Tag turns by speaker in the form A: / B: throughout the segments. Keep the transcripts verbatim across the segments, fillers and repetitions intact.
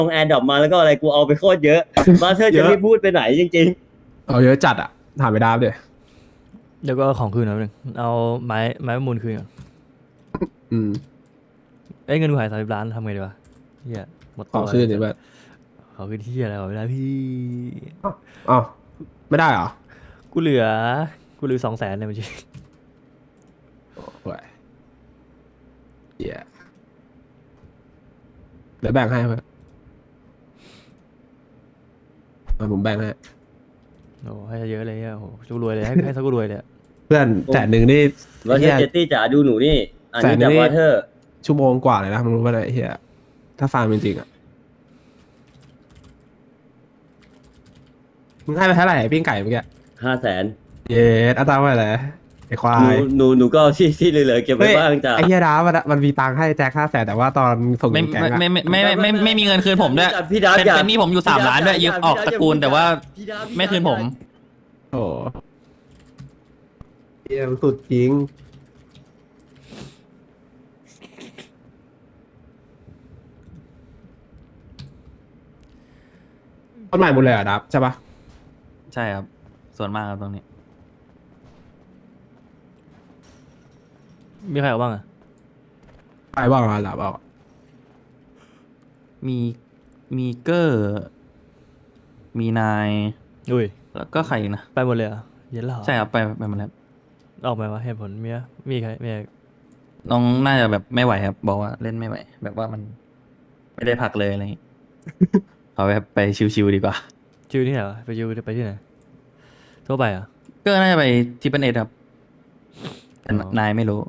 A: ลงแอร์ดรอปมาแล้วก็อะไรกูเอาไปโคตรเยอะมาเธอ
B: เย
A: จะ
B: อะ
A: ไม่พูดไปไหนจริง
B: เอาเยอะจัดอ่ะถามไปดาบเลย
C: เดี๋ยวก็เอาของคืนนะนึงเอาไม้ไม้ประมูลคืนก่อน
B: อืม
C: เอ้ยเงินกูหายสามสิบล้านทำไงดีวะเฮียหมด
B: ข
C: ตั
B: อ
C: ว
B: คืนดิเพื่อน
C: ขอคืนที่อะไรวะไม่ได้พี่
B: อ้าวไม่ได้เหรอ
C: กูเหลือกูเหลือสองแสนในบัญชี
B: โอ้ยเหี้ยเดี๋ยวแบ่งให้เพื่อนเอาผมแบ่งให้
C: โอ้ให้เยอะเลยอ่ะโอ้โหกูรวยเลยให้ให้สักกูรวยเลยอะ
B: เพื่อนแสนหนึ่งนี่
A: ๆว่าเธ
B: เหี้
A: อย เจตตี้จ๋าดูหนูนี่อันนี้
B: แสนนึ
A: จาก
B: งนี่
A: ว่าเธอ
B: ชั่วโมงกว่าเลยนะมึงรู้ป่ะเนี่ยไอ้เฮียถ้าฟาร์มจริงๆอ่ะมึงให้ไปเท่าไหร่ปิ้งไก่เมื่อกี้
A: ห้าแสน
B: เย็ดอัตราไปเลยไอ้ควา
A: หนู
B: ย
A: หนูหนูก็เอาที่ที่เหลือๆเก็บไว้
B: เฮ้ย
A: บ้างจ้ะ
B: ไอ้เฮียดามันมันมีตังค์ให้แจ็คห้าแสนแต่ว่าตอนส่ง
D: ไม่
B: แก๊ง
D: ไม่
B: อะ
D: ไม่ไม่ไม่ไม่ไม่ไม่มีเงินคืนผมด้วย
A: พี่ดาบ
D: เป็น
A: อย่า
D: เป็นหนี้ผมอยู่สามล้านด้วย
A: พี่
D: ยึ
A: ด
D: ด
A: บ
D: ออก
A: พี่
D: ต
A: ดาบ
D: ระกูลแต่ว่า
A: พี่ดาบพี่ดาบ
D: ไม่คืนผม
B: โอ้เฮียมันสุดจริงต้นใหม่หมดเลยเหรอ่ะดับใช่ปะ
D: ใช่ครับ ส่วนมากครับตรงนี้
C: มีใครเอาบ้างอ่ะ
B: ไปบ้างอ่ะดับเอา
D: มีมีเกอร์ มีนาย
C: อุ้ย
D: แล้วก็ใครอีกนะ
C: ไปหมดเลยเหรอ่ะเย็นแล้วเหรอ
D: ใช่ครับ ไปไปหมาแล้ว
C: ออกไหมวะเหตุผลมีอะมีใครมีใคร
D: น้องน่าจะแบบไม่ไหวครับ บอกว่าเล่นไม่ไหว แบบว่ามันไม่ได้พักเลยอะไรอย่างงี้ เอาแบบไปชิวๆดีกว่า
C: ชิวที่ไหนวะไปชิวไปที่ไหนทั่วไปเหรอ่ะ
D: เกอร์น่าจะไปทิปเปิลเอ็ดครับแต่
C: อ๋อ
D: นายไม่รู้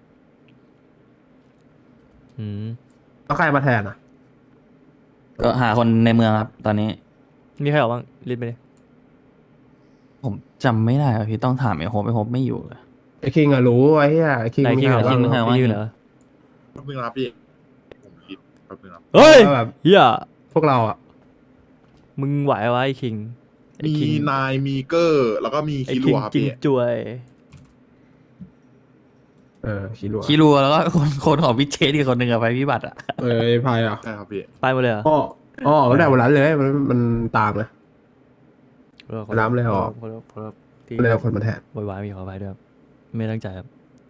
C: อืม
B: แล้วใครมาแทนอ่ะ
D: ก็หาคนในเมืองครับ ตอนนี้
C: มีใครเอาบ้างรีบไปเลย
D: ผมจำไม่ได้ครับพี่ต้องถามไอ้โฮปไอ้โฮปไม่อยู่เลย
B: ไอ้คิงอะรู้ไอ้เหี้ยไอ้คิง
C: นายคิง
B: มึ
C: เหรอ
B: หา
D: คิ
B: บ้าง
D: ง
B: เหรอ
D: ว่า
C: คิงเหรอ
E: แป๊บนึงนะครับพี่ ผมคิดแป๊บนึงครับ
C: เฮ้ย
B: ว่าแบบ
C: เฮีย
B: พวกเราอ่ะ
C: มึงไหววะไอ้คิงไอ้
E: มี
C: คิง
E: นาย มีเกอร์ แล้วก็มี
C: ไอ้
E: คิ
C: คิ
E: รั
C: ง
E: วครับ
C: จริง
E: พี่
C: จวย
B: เออคิรัว
D: คิรัวแล้วก็คนคนของพิเชษอีกคนหนึ่งอะไปพิบัติอะ
B: เออไอ้พายอ่ะ
E: ใช่ครับพี่
C: ไปหมดเลยเหรอ
B: อ๋ออ๋อตั้งแต่วันนั้นเลยมันมันตามเลย
C: เออขอ
B: น้ำเลยเหรอ
C: ขอโทษขอโทษที่
B: เลยเอาคนมาแทน
C: โวยวายมีขออภัยด้วยครับไม่ตั้งใจครับ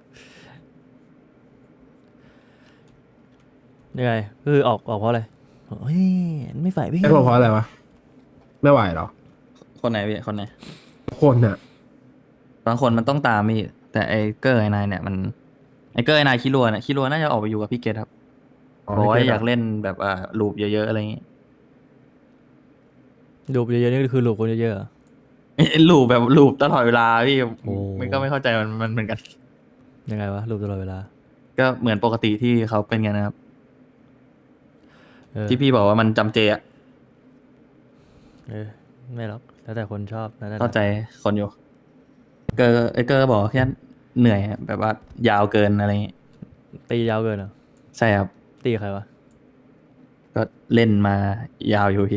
C: ยังไงคือออกออกเพราะอะไรเฮ้ยไม่ฝ่ายพี่
B: ไอ้พวกเพราะอะไรวะไม่ไหวเหรอ
D: คนไหนพี่คนไหน
B: คนอ่ะ
D: บางคนมันต้องตามพี่แต่ไอ้เกอร์ไอ้นายเนี่ยมันไอ้เกอร์ไอ้นายคิรัวเนี่ยคิรัวน่าจะออกไปอยู่กับพี่เกตครับบอกว่าอยากเล่นแบบอ่าลูปเยอะๆอะไรอย่างงี้
C: ลูปเยอะๆนี่คือลูปคนเยอะๆเหรอ
D: ไอ้ลูปแบบลูปตลอดเวลาพี่
C: โอ้
D: มันก็ไม่เข้าใจมันมันเหมือนกัน
C: ยังไงวะลูปตลอดเวลา
D: ก็เหมือนปกติที่เขาเป็นกันนะครับ
C: เออ
D: ที่พี่บอกว่ามันจำเจอะ
C: เออไม่หรอกแล้วแต่คนชอบนั่นแหละ
D: เข้าใจคนอยู่ เกอร์ไอ้เกอร์บอกแค่เหนื่อยอะแบบว่ายาวเกินอะไรอย่างงี้
C: ตียาวเกินเหรอ
D: ใช่ครับ
C: ตีใครวะ
D: ก็เล่นมายาวอยู่พี่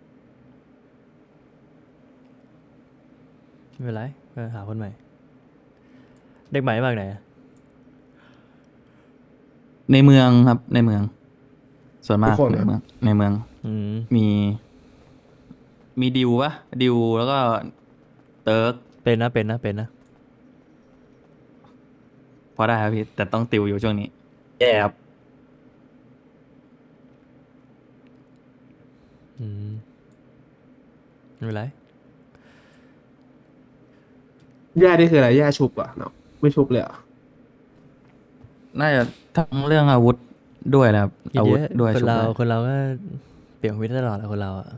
C: ไม่เป็นไรก็หาคนใหม่ เด็กใหม่มากไหนอะ
D: ในเมืองครับในเมือง ส่วนมาก
B: ทุกคน
D: ใน
B: เหรอ
D: เมืองในเมือง
C: อืม
D: มี มีดิวปะดิวแล้วก็เติร์ก
C: เป็นนะเป็นนะเป็นนะ
D: พอได้ครับพี่แต่ต้องติวอยู่ช่วงนี้แย่ครับ
C: อืมไม่เป็นไร
B: แย่นี่คืออะไรแย่ชุบอ่ะเนาะไม่ชุบเลยเหรอ่ะ
D: น่าจะทั้งเรื่องอาวุธด้วยนะครับ
C: คิด
D: อา
C: เย
D: วุธ
C: อะ
D: ด้วย
C: คน
D: ชุด
C: เรา
D: ด้วย
C: คนเราก็เปลี่ยนชีวิตตลอดแหละคนเราอะ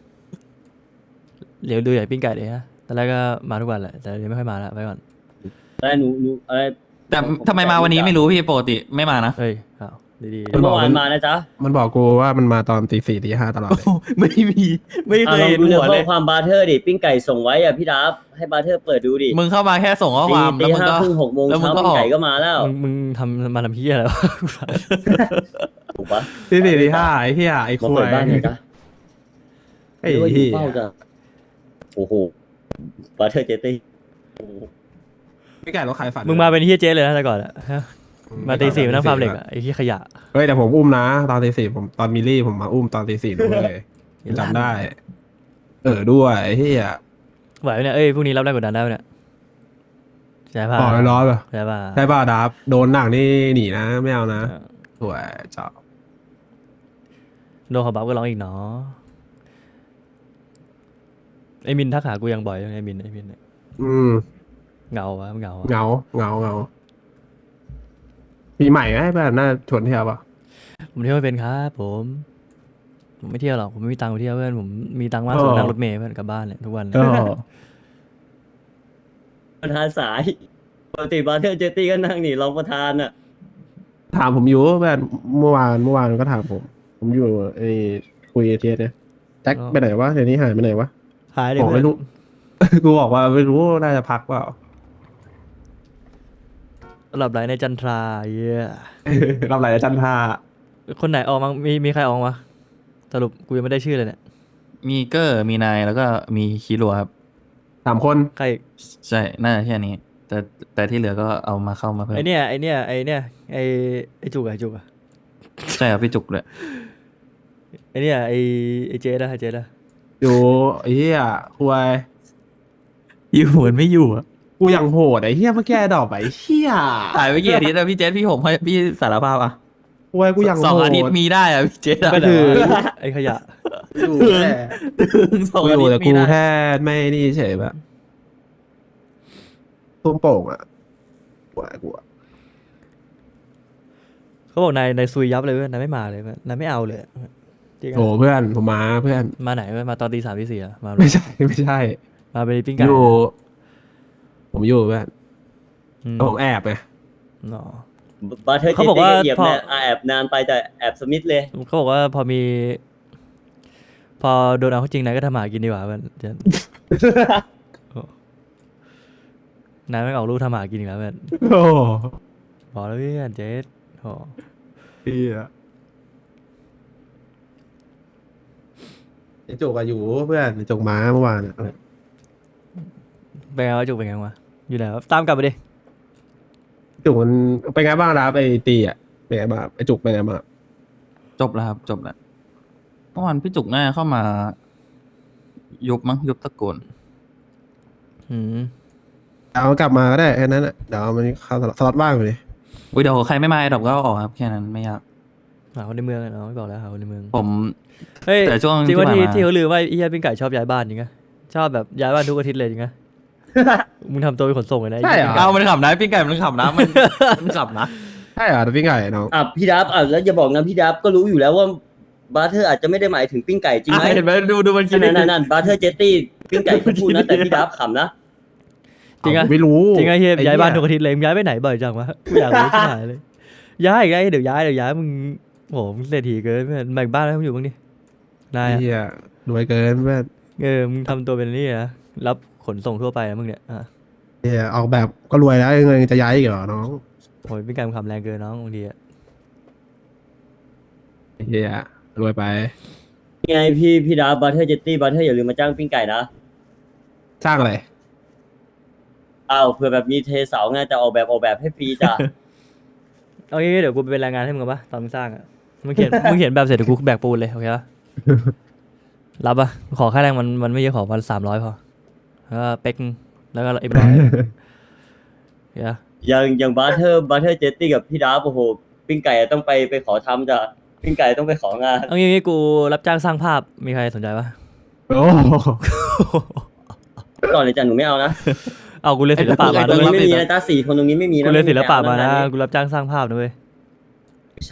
C: เดี๋ยวดูใหญ่ปิ้งไก่เลยฮะตอนแรกก็มาทุกวันแหละแต่เดี๋ยวไม่ค่อยมาแล้วไปก่อน
A: แต่หนูหนูอะไร
D: แต่ทำไมมาวันนี้ไม่รู้พี่ปกติไม่มานะ
C: เฮ้ยอ้าวดี
A: เมื่อวานมานะจ๊ะ
B: มันบอกกูว่ามันมาตอนตีสี่ตีห้าตลอดเลย
D: ไม่มีไม่เค
A: อ่ะ
D: ย
A: ลอง
D: เห็น
A: ดู
D: หั
A: เดี๋ยว
D: ว
A: ข้
D: เล
A: อย ความบาร์เทอร์ดิปิ้งไก่ส่งไว้อ่ะพี่ดับให้บาร์เทอร์เปิดดูดิ
D: มึงเข้ามาแค่ส่งข้อ
A: ตี
D: ความ
A: ตี
D: แล้วมึง
A: ห้า
D: ก็
A: ครึ่งหกโมง
D: แล้วมึง
A: เช้า
D: ก็
A: ปิ้
D: อง อก
A: ไก่ก็มาแล้ว
C: ๆมึงมึงทำมาทำพี่อะไรวะ
A: ถูกปะ
B: ตีสี่ตีห้าไอ้เหี้ยไอ้
A: มา
B: คุ
A: เปิ
B: ย
A: ดบ้านไงจ๊ะ
B: ไอ้
A: หรือว่าอ
B: เหี้
A: ยู่
B: ย
A: เฝ้าจ้ะโอ้โหบาร์เทอร์เจตี้
B: ไม่ไก่รถใครฝัน
C: มึงมาเป็นเฮียเจ๊เลยนะแต่ก่อนอะฮะ
B: อื
C: มาตีสี่มานั่งฟาร์มเหล็กอะไอ้ที่ขยะ
B: เฮ้ยแต่ผมอุ้มนะตอนตีสี่ผมตอนมิลลี่ผมมาอุ้มตอนตีสี่ด้วยจำได้ เออด้วยไอ้เหี้ย
C: ไหวไหมเนี่ยเอ้ยพรุ่งนี้รับแรงกดดันได้ไหมเนี่ยใช่ป่ะ
B: อ๋อร้อยป่ะ
C: ใช่ป่ะ
B: ใช่ป่ะดับโดนหนักนี่หนีนะไม่เอานะ
C: เออ
B: สวยจ้า
C: โดนเขาบัฟก็ร้องอีกเนาะไอ้มินทักหากูยังบ่อยไอ้มินไอ้มินเนี่ย
B: อืม
C: เหงาวะเหงาวะ
B: เงาเงาเงาปีใหม่ไหมแบบน่าชวนเที่ยวป่ะ
C: ผมเที่ยวไม่เป็นครับผมผมไม่เที่ยวหรอกผมไม่มีตังค์ไปเที่ยวเพื่อนผมมีตังค์มาก
B: เออ
C: สุดนั่งรถเมล์เพื่อนกลับบ้านเลยทุกวันเลย
B: ก็
A: ประธานสายปกติบาร์เทอร์เจตตี้ก็นั่งนี่รองประธานอ่ะ
B: ถามผมอยู่แบบเมื่อวานเมื่อวานก็ถามผม ผมอยู่ไอ้คุยเทียเนี่ยแจ็คไปไหนวะเดี๋ยวนี้หายไปไหนวะ
C: หายเลย
B: บอก
C: เพื่อ
B: ไม่
C: น
B: รู้ กูบอกว่าไม่รู้น่าจะพักเปล่า
C: หลับไหลในจันทราเย้ย
B: รับไหลจันทรา
C: คนไหนออกมั้งมีมีใครออกมาสรุปกูยังไม่ได้ชื่อเลยเนี่ย
D: มีเกอร์มีนายแล้วก็มีคิรัวครับ
B: สามคน
C: ใคร
D: ใช่น่าจะแค่นี้ แต่แต่ที่เหลือก็เอามาเข้ามาเพิ่ม
C: ไอเนี่ยไอเนี่ยไอเนี่ยไอไอจุกอะไอจุกอะ
D: ใช่ครับพี่จุกเลย
C: ไอเนี่ยไอไอเจดอะไอเจดอะ
B: อยู่ไอ้เหี้ยคุย
D: อยู่เหมือนไม่อยู่อะ
B: กูยังโหดไอ้เหี้ยเมื่อกี้ดอกไอ้เหี้ย
D: ถ่ายไปกี่อาทิตย์แล้วพี่เจษพี่ผมให้พี่สารภาพอ่ะ
B: คุยกูยังโหด
D: สองอาทิตย์มีได้อ่ะพี่เจษอะ
C: ก็ถือไอขยะ
B: อยู่แค่
D: ถึงสอง
B: กูอ
D: อาทิ
B: ยู่
D: ต
B: แต่
D: ย์
B: กู
D: มีได้
B: แค่ไม่นี่เฉยแบบตุ้มโป่งอ่ะกูอะกูอะ
C: เขาบอกนายนายซุยยับเลยเว้ยนายไม่มาเลยเว้ยนายไม่เอาเลยจริงอะ
B: โอ้เพื่อนผมมาเพื่อน
C: มาไหนเว้ยมาตอนตีสามตีสี่อะมา
B: ไม่ใช่ไม่ใช่
C: มาเป็นปิ้งไก่
B: อยู่ ผมอยู่เพื่อน
C: อืม
B: ผมแอบไง
C: อ๋อบ
A: าร์เทอร์เจ
C: เขา
A: ต
C: บอก
A: ตี้
C: ว่า
A: ก็เหยียบ
C: พอ
A: แนอ่ะแอบนานไปแต่แอบสมิธเลย
C: เขาบอกว่าพอมี พอโดนเอาเข้าจริงนายก็ทำหมากินดีกว่าเพื่อนเจน โอ้นายไม่ออกลูกทำหมากินอีกแล้วเพื่อน
B: โอ้
C: บอกแล้วเพื่อนเจสโอ้
B: เหี้ยไอ้จุกอะอยู่เพื่อนไอ้จุกม้าเมื่อวานอะ
C: เป็นไงวะจุกเป็นไงวะอยู่ไหนวะตามกลับไปดิ
B: จุกมันเป็นไงบ้างครับไอ้ตีอะเป็นไงบ้างไอ้จุกเป็นไงบ้าง
D: จบแล้วครับจบแล้วเมื่อวานพี่จุกน่าจะเข้ามา ยุบมั้งยุบตะโกน
C: อืม
B: เอากลับมาก็ได้แค่นั้นอะเดี๋ยวมันเข้าสล็อตสล็อตว่างอยู่ดิ
D: อุ้ยเดี๋ยวใครไม่มาไอ้ดอกก็เอาออกครับแค่นั้นไม่ยาก
C: หาคนในเมืองอะเนาะไม่บอกแล้วหาคนในเมือง
D: ผม
C: เฮ้ย
D: แต่ช่วง
C: จริงว่า
D: ที่
C: ที่
D: ผ่านมา
C: ที่เขาลือว่าไอ้เหี้ยปิ้งไก่ชอบย้ายบ้านจริงไงชอบแบบย้ายบ้านทุกอาทิตย์เลยจริงไง มึงทำตัวเป็นขนส่งเลยนะ
B: ใช่เหรอ
C: ไอ้
D: เอา
C: เหี้ย
D: มันขับนะพี่ไก่มันขับนะมันมันขับนะ
B: ใช่เหรอพี่ไก่น้อง
A: อ่ะพี่ดับอ่ะแล้วอย่าบอกนะพี่ดับก็รู้อยู่แล้วว่าบาร์เทอร์อาจจะไม่ได้หมายถึงปิ้งไก่จริงไหม
D: อ่ะเห็นไหมดูดูมันคิด
A: นั่นนั่นนั่นบาร์เทอร์เจตตี้ปิ้งไก่เขาพูดนะแต่พี่ดับขำนะ
C: จริงไง
B: ผมไม่รู้
C: จริงไงเฮีย
B: ไอ้
C: ย้ายบ้าน
B: เหี้
C: ทุกอาทิตย์เลยมึงย้ายไปไหนบ่อยจังวะกูอยากรู้ที่ไหนเลยย้ายอีกไงเดี๋ยวย้ายเดี๋ยวย้ายมึงโหมึงเศรษฐีเกินเพื่อนแบ่งบ้านให้มึงอยู่บ้างดินาย
B: ไอ้
C: อะ
B: เหี้ยรวยเกินเพื่อน
C: เออมึงทำตัวเป็นนี่นะรับขนส่งทั่วไปนะมึงเนี่ยอ่ะ
B: เหี้ยออกแบบก็รวยแล้วยังไงจะย้ายอีกเหรอน้อง
C: โอ้ยเป็นการคำแรงเกินน้องบางทีอะ
B: ไอ้เหี้ยรวยไป
A: ไงพี่พี่ดับบาร์เทอร์เจตตี้บาร์เทอร์อย่าลืมมาจ้างปิ้งไก่นะ
B: สร้างอะไร
A: อ้าวเผื่อแบบมีเทเสาไงแต่ออกแบบออกแบบให้ฟรีจ้ะ
C: เอางี้เดี๋ยวกูไปเป็นแรงงานให้มึงกันปะตอนมึงสร้างอะมึงเขียน มึงเขียนแบบเสร็จเดี๋ยวกูแบกปูนเลยโอเคปะรับปะขอค่าแรงมันมันไม่เยอะขอวันสามร้อยพอแล้วก็เป็กแล้วก็เอ็มร้อยเดี๋ยว
A: อย่างอย่างบาร์เทอร์บาร์เทอร์เจตตี้กับพี่ดับโอ้โหปิ้งไก่ต้องไปไปขอทำจ้ะปิ้งไก่ต้องไปของาน
C: เอางี้กูรับจ้างสร้างภาพมีใครสนใจปะ
B: โอ้
A: ก่อนเลยจ้ะหนูไม่เอานะ
C: เอากูเรียนศิลปะมา
A: ตรง
C: ด้วย
A: นี้ไม่มีนะจ้าสี่คนตรงนี้ไม่มีนะ
C: กูเรียนศิลปะมานะ
A: ไ
C: กูรับจ้างสร้างภาพนะเว้ย
A: ใช่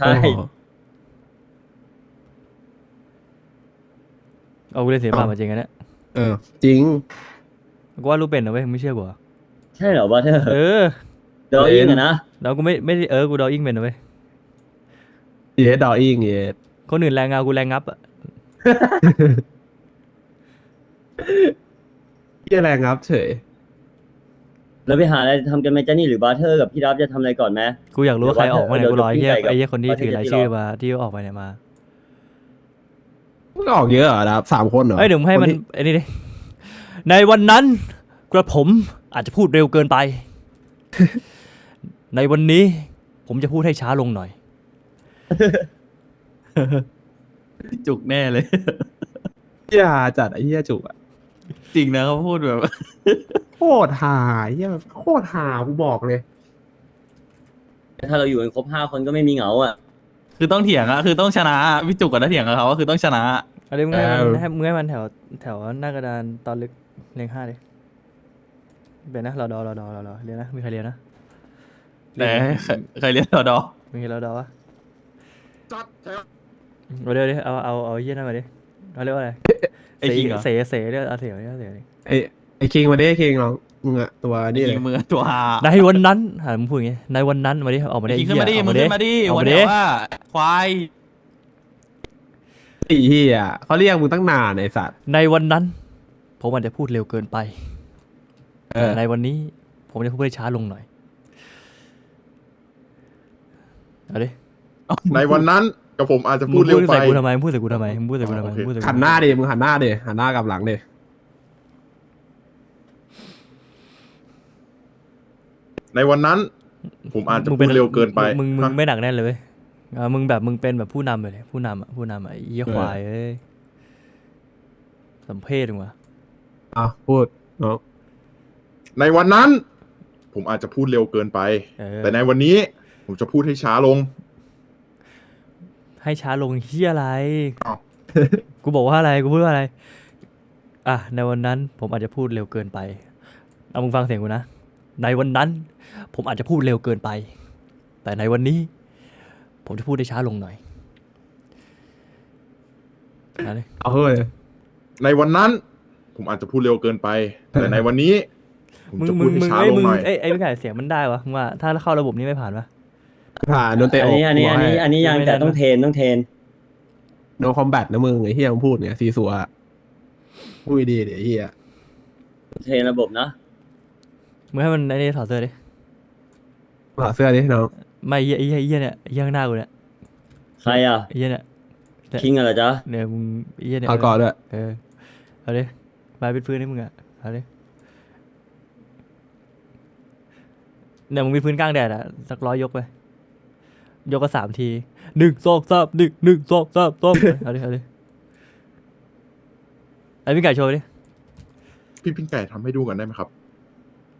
C: เอากูเรียนศิลปะมาจริงอันเนี้ย
B: เออจริง
C: กูว่ารูปเป็นนะเว้ยมึงไม่เชื่อกูเหรอ
A: ใช่เหรอบาร์เทอร์
C: เออ
A: เดออิงอะนะ
C: แล้วกูไม่ไม่ได้เออกูดออิ่งเป็นนะเว้ย
B: เยสดออิงเยส
C: คนอื่นแรงเงากูแรงงับอะ
B: เหี้ยแรงครับเฉย
A: แล้วไปหาอะไรทำกันไหมจ้านี่หรือบาร์เทอร์กับพี่ดับจะทำอะไรก่อนไหม
C: กูอยากรู้ว่าใครออกมาเนี่ย
A: เดี๋ยว
C: กูรอไอ้เหี้ย
A: เดี๋ยว
C: ไอ้เหี้ยคนที่
A: เดี๋ยว
C: ถือราย
A: เดี๋ยว
C: ชื่อมาที่ออกไปเนี่ยมา
B: มันก็ออกเยอะเหรอครับสามคนเหรอ
C: เอ้ยเดี๋ยวมึงให้มัน
B: คที่
C: ไอ้นี่ดิในวันนั้นกระผมอาจจะพูดเร็วเกินไป ในวันนี้ผมจะพูดให้ช้าลงหน่อย
D: จุกแน่เลย
B: เหี้ยจัดไอ้เหี้ยจุกอะ
D: จริงนะเขาพูดแบบ
B: โคตรหาไอ้เหี้ยโคตรหากูบอกเลย
A: ถ้าเราอยู่กันครบห้าคนก็ไม่มีเหงาอ่ะ
D: คือต้องเถียงอะคือต้องชนะพี่จุกกับถ้าเถียงกับเขาก็คือต้องชนะ
C: เอาดิมึงให้มัน
B: เออ
C: ให้มึงให้มันแถวแถวหน้ากระดานตอนลึกเรียงห้าดิเป็นนะรอดอรอดอรอดอเรียนนะมีใครเรียนนะ
D: แต่ใครใครเรียนรอดอ
C: มีใครรอดอวะ
E: จัดแถว
C: เอาเดี๋ยวดิเอาเอาเอาเยี่ยนั่นมาดิเขาเรียกว่าอะไร
D: ไอ้คิงเหรอ
C: เสเสเรียกเอาเสียวเรียกเอาเสียวดิ
B: ไอ้ไอ้คิงมาดิไอ้คิงน้องมึงอะตัว
D: ไอ้
B: นี่เล
D: คิ
B: ย
D: งมือตัวหา
C: ในวันนั้นหามึงพูดอย่างงี้ในวันนั้นมาดิออกมาดิ
D: ไอ้คิงขึ้นมาดิ
C: เหี้ย
D: มึง
C: เอ
D: ขึ้นมาดิ
C: ออก
D: วัน
C: มาดิ
D: เดียวว่าควาย
B: ไอ้เหี้ยเขาเรียกมึงตั้งนานไอ้สัตว์
C: ในวันนั้น ผมอาจจะพูดเร็วเกินไป
B: เออ
C: แต่ในวันนี้ ผมจะพูดให้ช้าลงหน่อยเอาดิ
E: ในวันนั้นกับผมอาจจะ
C: มึ
E: พู
C: ง
E: ดเร็
C: พู
E: ว
C: ด
E: ไป
C: ใส่กูทำไมมึงพูดใส่กูทำไมมึงพูดใส่กูทำไม
E: อ๋อโอเค
C: มึงพูดใส่กู
B: หันหน้าดิมึงหันหน้าดิหันหน้ากลับหลังดิ
E: ในวันนั้น ผมอาจจะ
C: มึ
E: พู
C: งป็
E: ดเร็วเกินไป
C: มึงมึง
E: ฮะ
C: ไม่หนักแน่นเลยเว้ยอ่ามึงแบบมึงเป็นแบบผู้นำไปเลยผู้นำอ่ะผู้นำอ่ะไอ้เยี่ยควายเอ้ยสมเพศมึงวะ
B: อ่ะพูดน้อง
E: ในวันนั้น ผมอาจจะพูดเร็วเกินไป
C: เออ
E: แต่ในวันนี้ ผมจะพูดให้ช้าลง
C: ให้ช้าลงเฮียอะไร
E: อ้าว
C: กูบอกว่าอะไร กูพูดว่าอะไร อ่ะ ในวันนั้น ผมอาจจะพูดเร็วเกินไป เอามึงฟังเสียงกูนะ ในวันนั้น ผมอาจจะพูดเร็วเกินไป แต่ในวันนี้ ผมจะพูดได้ช้าลงหน่อยเอาดิ
B: เอาเฮ้ย
E: ในวันนั้น ผมอาจจะพูดเร็วเกินไป แต่ในวันนี้ ผม
C: มึง
E: จะ
C: มึ
E: พูด
C: ง
E: ให้
C: มึง
E: ช้า
C: ไอ้ย
E: ลง
C: มึง
E: หน่อย
C: ไอ้ยไอ้ไม่ไก่เสียงมันได้วะมึงว่า ถ้าเข้าระบบนี้ไม่ผ่านปะ
B: ผ่านโดนเตะ
A: อั
B: อน ก
A: นี้อันนี้อันนี้อันนี้ยัง
C: ไม่ได้
A: แต่ต้อง
C: นะ
A: เทรนต้องเทรน
B: โนคอมแบทนะมึงไอ้เหี้ยมึงพูดเนี่ยซีซัวอะพูดดีเดี๋ยวไอ้เหี้ย
A: เทรนระบบนะ
C: มึงให้มันไอ้นี่ถอดเสื้อดิ
B: ถอดเสื้อดิน้อง
C: ไม่ไอ้เหี้ยไอ้เหี้ยไอ้เหี้ยเนี่ยไอ้เหี้ยข้างหน้ากูเนี่ย
A: ใครอ่ะ
C: ไอ้เหี้ยเนี่ย
A: คิงอะเหรอจ๊ะ
C: เนี่ยมึงไอ้เหี้ยเนี่ย
B: ถอดก่อนด้วย
C: เออ เอาดิมาเป็นพื้นให้มึงอ่ะ เอาดิเนี่ยมึงมีพื้นกลางแดดอ่ะ สักร้อยยกไป ยกก็สามที หนึ่งสองสามหนึ่งหนึ่งสองสามสองเอาดิ เอาดิ ไอ้พี่ไก่โชว์ดิ
E: พี่พิงไก่ทำให้ดูกันได้ไหมครับ